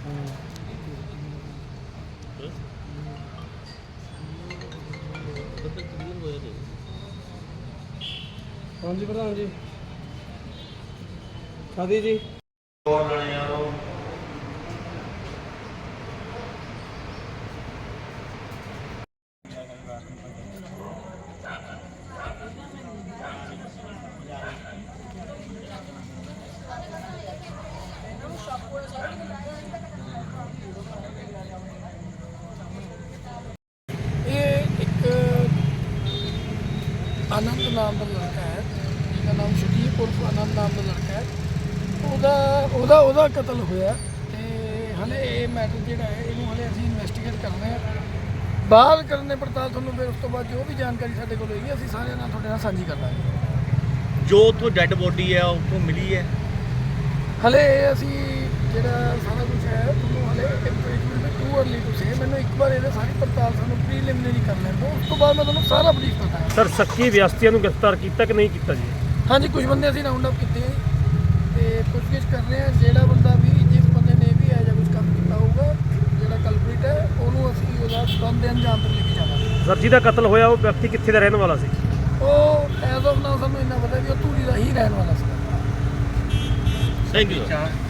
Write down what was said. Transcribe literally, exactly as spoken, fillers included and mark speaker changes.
Speaker 1: हाँ जी प्रधान जी शादी जी आनंद नाम का लड़का है जिसका नाम शरीफ उर्फ आनंद नाम का लड़का है ਉਹਦਾ ਉਹਦਾ ਉਹਦਾ ਕਤਲ ਹੋਇਆ ਤੇ ਹਲੇ ਇਹ ਮੈਟਰ ਜਿਹੜਾ ਹੈ ਇਹਨੂੰ ਹਲੇ ਅਸੀਂ ਇਨਵੈਸਟੀਗੇਟ ਕਰਨਾ ਹੈ ਬਾਅਦ ਕਰਨੇ ਪੜਤਾਲ ਤੁਹਾਨੂੰ ਫਿਰ ਉਸ ਤੋਂ ਬਾਅਦ ਜੋ ਵੀ ਜਾਣਕਾਰੀ ਸਾਡੇ ਕੋਲ ਹੋਏਗੀ ਅਸੀਂ ਸਾਰਿਆਂ ਨਾਲ ਤੁਹਾਡੇ ਨਾਲ ਸਾਂਝੀ ਕਰ ਦਾਂਗੇ।
Speaker 2: ਜੋ ਉੱਥੋਂ ਡੈੱਡ ਬੋਡੀ ਹੈ ਉੱਥੋਂ ਮਿਲੀ ਹੈ
Speaker 1: ਹਲੇ ਅਸੀਂ ਜਿਹੜਾ ਸਾਰਾ ਕੁਝ ਹੈ ਤੁਹਾਨੂੰ ਹਲੇ it too early to say ਮੈਨੂੰ ਇੱਕ ਵਾਰ ਇਹਦੇ ਸਾਰੀ ਪੜਤਾਲ ਸਾਨੂੰ ਪ੍ਰੀਲਿਮਿਨਰੀ ਕਰ ਲੈਣ ਦਿਓ ਉਸ ਤੋਂ ਬਾਅਦ ਮੈਂ ਤੁਹਾਨੂੰ ਸਾਰਾ ਬਰੀਫ ਕਰਦਾ।
Speaker 3: ਸਰ ਸ਼ੱਕੀ ਵਿਅਕਤੀਆਂ ਨੂੰ ਗ੍ਰਿਫਤਾਰ ਕੀਤਾ ਕਿ ਨਹੀਂ ਕੀਤਾ ਜੀ?
Speaker 1: ਹਾਂਜੀ ਕੁਝ ਬੰਦੇ ਅਸੀਂ ਰਾਉਂਡ ਅਪ ਕੀਤੇ ਤੇ ਪੁੱਛਗਿੱਛ ਕਰ ਰਹੇ ਹਾਂ ਜਿਹੜਾ ਬੰਦਾ ਵੀ ਜਿਸ ਬੰਦੇ ਨੇ ਵੀ ਇਹ ਜਿਹਾ ਕੁਝ ਕੰਮ ਕੀਤਾ ਹੋਊਗਾ ਜਿਹੜਾ ਕਲਪ੍ਰੀਟ ਹੈ ਉਹਨੂੰ ਅਸੀਂ ਉਹਦਾ ਬੰਦੇ ਅੰਜਾਮ ਤੱਕ ਲੈ ਕੇ ਜਾਵਾਂਗੇ।
Speaker 3: ਸਰ ਜਿਹਦਾ ਕਤਲ ਹੋਇਆ ਉਹ ਵਿਅਕਤੀ ਕਿੱਥੇ ਦਾ ਰਹਿਣ ਵਾਲਾ ਸੀ?
Speaker 1: ਉਹ ਐਜ਼ ਆਫ ਨਾਓ ਸਾਨੂੰ ਇੰਨਾ ਪਤਾ ਵੀ ਉਹ ਧੂਰੀ ਦਾ ਹੀ ਰਹਿਣ ਵਾਲਾ ਸੀ।
Speaker 2: Thank you.